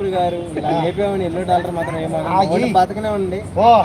దేవుడు గారు ఇలా లేపేమని $1 మాత్రం ఏమో బతకనే ఉండి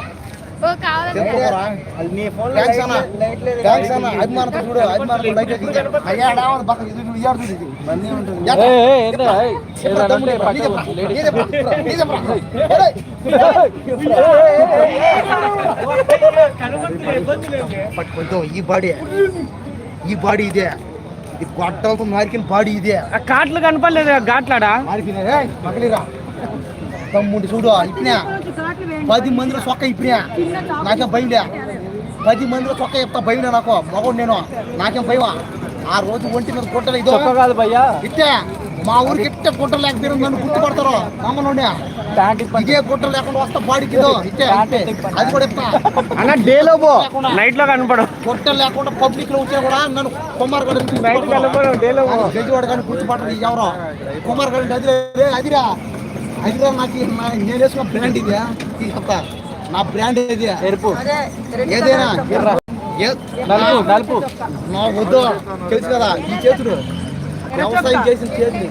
ఈ బాడీ ఇదే, ఇది గొట్టలతో మారికిన బాడీ ఇదే. కాట్లు కనపడలేదు ఘాట్లాడా మగలిరా తమ్ముండి చూడు ఇప్పినా 10 మందిలో చొక్క ఇప్పినా నాకేం భయంలే. 10 మందిలో చొక్క చెప్తా భయం నాకు మగోడు నేను నాకేం భయమా. ఆ రోజు ఒంటి మీద గుట్టలు ఇదో కాదు భయ్యా ఇట్టే మా ఊరికి ఇట్టే గుట్టలు లేకపోతే నన్ను గుర్తుపడతారు మామూలు ఇదే గుట్టలు లేకుండా వస్తా బాడీకి ఇదో ఇట్టే అది కూడా చెప్తా అన్న డేలో పో నైట్ లో కనపడం గుట్టలు లేకుండా పబ్లిక్ లో వచ్చినా కూడా నన్ను కుమార్ గడు గజవాడు కానీ గుర్తుపడరు ఎవరో కుమార్ గడు అదిరా అదిరా నాకు నేను వేసుకున్న బ్రాండ్ ఇదే చెప్తా నా బ్రాండ్ ఏది ఎరుపు ఏదైనా నలుపు నా వద్దు తెలుసు కదా ఈ చేతులు వ్యవసాయం చేసిన చేతులు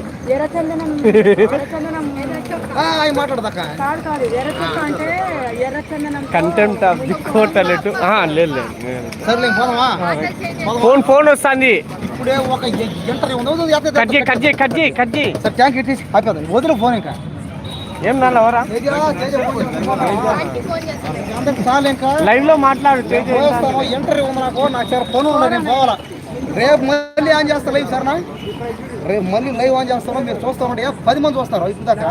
మాట్లాడదాక కంటెంట్ ఆఫ్ ది కోర్ట్ అన్నట్టు లేదు సర్లే పోదామా ఫోన్ వస్తుంది ఇప్పుడే ఒక ఇంటర్వ్యూ కట్ చేయి సార్ ట్యాంక్ ఇట్టి అయిపోతుంది వదిలే ఫోన్ ఇంకా ఏం నావరా లైవ్ లో మాట్లాడు ఇంటర్వ్యూ ఉంది నాకు సార్ ఫోన్ ఉన్నా నేను పోవాలా రేపు మళ్ళీ ఆన్ చేస్తా లైవ్ సార్ నా రేపు మళ్ళీ లైవ్ ఆన్ చేస్తాను మీరు చూస్తామంటే 10 మంది వస్తారు ఇప్పుడు దాకా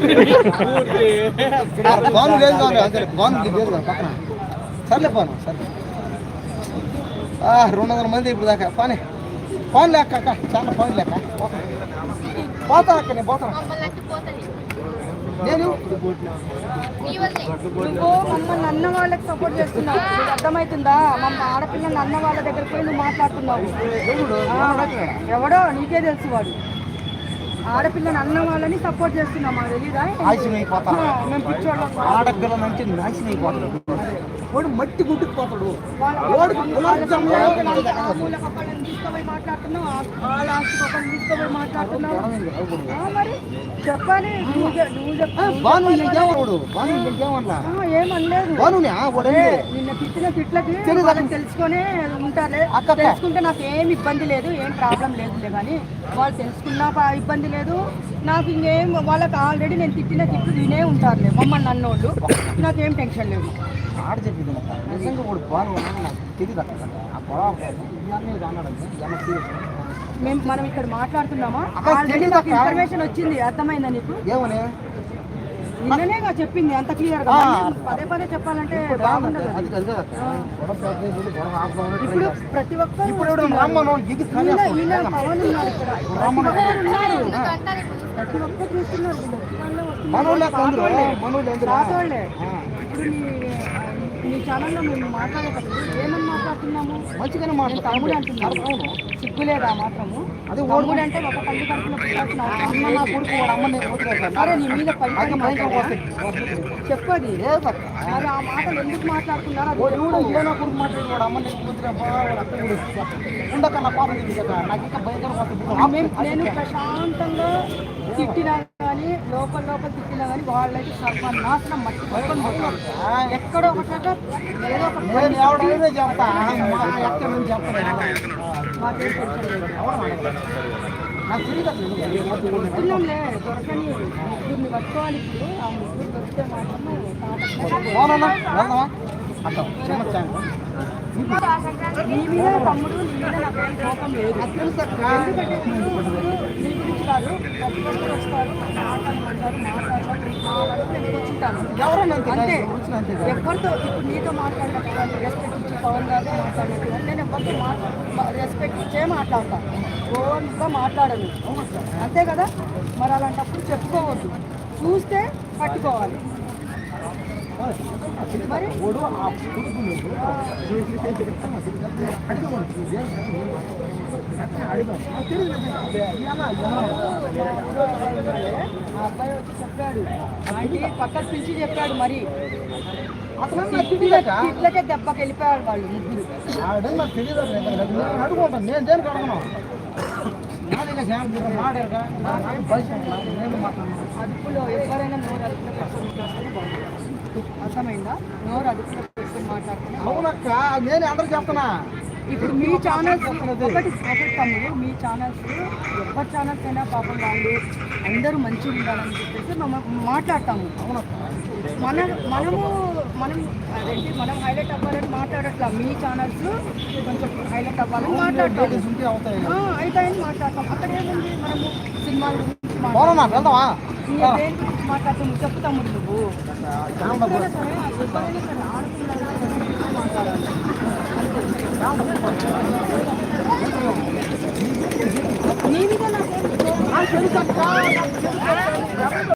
బాను లేదు కాదు అంతే బాను లేదు కదా పక్కన సర్లే పోను సర్లే 200 మంది ఇప్పుడు దాకా పోనీ ఫోన్ లేక చాలా ఫోన్ లేక పోతా అక్క నేను పోతాను నేను నువ్వు మమ్మల్ని అన్న వాళ్ళకి సపోర్ట్ చేస్తున్నావు అర్థమవుతుందా ఆడపిల్లల్ని అన్న వాళ్ళ దగ్గరికి పోయి నువ్వు మాట్లాడుతున్నావు ఎవడో నీకే తెలుసు వాడు ఆడపిల్లని అన్న వాళ్ళని సపోర్ట్ చేస్తున్నాం మాకు తెలీదా మేము పిచ్చోళ్ళం ఆడపిల్ల నుంచి నాశనం అయిపోతాడు వాడు మట్టి గుడ్డుకుపోతాడు తీసుకుపోయి మాట్లాడుతున్నావు వాళ్ళ ఆస్తి పక్కన తీసుకుపోయి మాట్లాడుతున్నావు మరి చెప్పాలి ఏమనలేదు నిన్న తిట్టిన తిట్లకి తెలుసుకునే ఉంటారులే తెలుసుకుంటే నాకు ఏం ఇబ్బంది లేదు ఏం ప్రాబ్లం లేదులే కానీ వాళ్ళు తెలుసుకున్నా ఇబ్బంది లేదు నాకు ఇంకేం వాళ్ళకి ఆల్రెడీ నేను తిట్టిన తిట్లు తినే ఉంటారులే మమ్మల్ని అన్నోళ్ళు నాకేం టెన్షన్ లేదు ఆడ చెప్పింది నిజంగా వాడు బాగా నాకు తెలియదు మనం ఇక్కడ మాట్లాడుతున్నామా ఆల్రెడీ నాకు ఇన్ఫర్మేషన్ వచ్చింది అర్థమైందా నీకు ఏమని నిన్ననేగా చెప్పింది అంత క్లియర్ గా పదే చెప్పాలంటే బాగుండదు ఇప్పుడు ప్రతి ఒక్కరు ప్రతి ఒక్కరు చూస్తున్నారు రాతోళ్ళే ఇప్పుడు నీ ఛానల్లో మేము మాట్లాడేటప్పుడు ఏమని మాట్లాడుతున్నాము మంచిగానే తమ్ముడు అంటున్నాము సిగ్గులేదా మాత్రము అది తమ్ముడు అంటే ఒక తల్లి కడుపులో పుట్టాల్సిన అరే నీ మీద చెప్పది మరి ఆ మాటలు ఎందుకు మాట్లాడుతున్నారు నేను ప్రశాంతంగా తిట్టినా కానీ లోపల తిట్టినా కానీ వాళ్ళకి సర్వనాశనం మట్టి పట్టుకొని పోతారు ఎక్కడో ఒక చోట ఏదో తిన్నాంలే దొరకని ముగ్గురిని పట్టుకోవాలి ఇప్పుడు ఆ ముగ్గురు దొరికితే మాత్రం నీ మీద తమ్ముడు నీ మీద నాకు ఏం కోపం లేదు ఎందుకంటే నీ గురించి కాదు వస్తారు అంతే ఎవరితో ఇప్పుడు నీతో మాట్లాడినప్పుడు రెస్పెక్ట్ ఇచ్చి పవన్ గారితో మాట్లాడినప్పుడు నేను ఎవరితో రెస్పెక్ట్ ఇచ్చే మాట్లాడతాను ఓన్గా మాట్లాడను అంతే కదా మరి అలాంటప్పుడు చెప్పుకోవద్దు చూస్తే పట్టుకోవాలి మరి అబ్బాయి వచ్చి చెప్పాడు ఆంటీ పక్కన పిలిచి చెప్పాడు మరి ఇట్లకే దెబ్బకి వెళ్ళిపోయాడు వాళ్ళు ముగ్గురు అదుపులో ఎవరైనా అర్థమైందా? నోరు అదుపులో పెట్టుకుని మాట్లాడుతున్నా. అవునక్క, నేను అందరూ చెప్తున్నా. ఇప్పుడు మీ ఛానల్స్ ఒకటి తమ్ముడు, మీ ఛానల్స్ ఎవరి ఛానల్స్ అయినా పాపం వాళ్ళు అందరూ మంచిగా ఉండాలని చెప్పేసి మనం మాట్లాడతాము. మనం హైలైట్ అవ్వాలని మాట్లాడట్లా. మీ ఛానల్స్ కొంచెం హైలైట్ అవ్వాలని మాట్లాడతాము, అవుతాయని మాట్లాడతాం. అక్కడ ఏముంది, మనము సినిమాల గురించి వెళ్దామా? దేని గురించి మాట్లాడతాము చెప్తాము. నువ్వు ఎవరైనా సరే ఆడపిల్లలు మాట్లాడాలి. నీ మీద నాకేం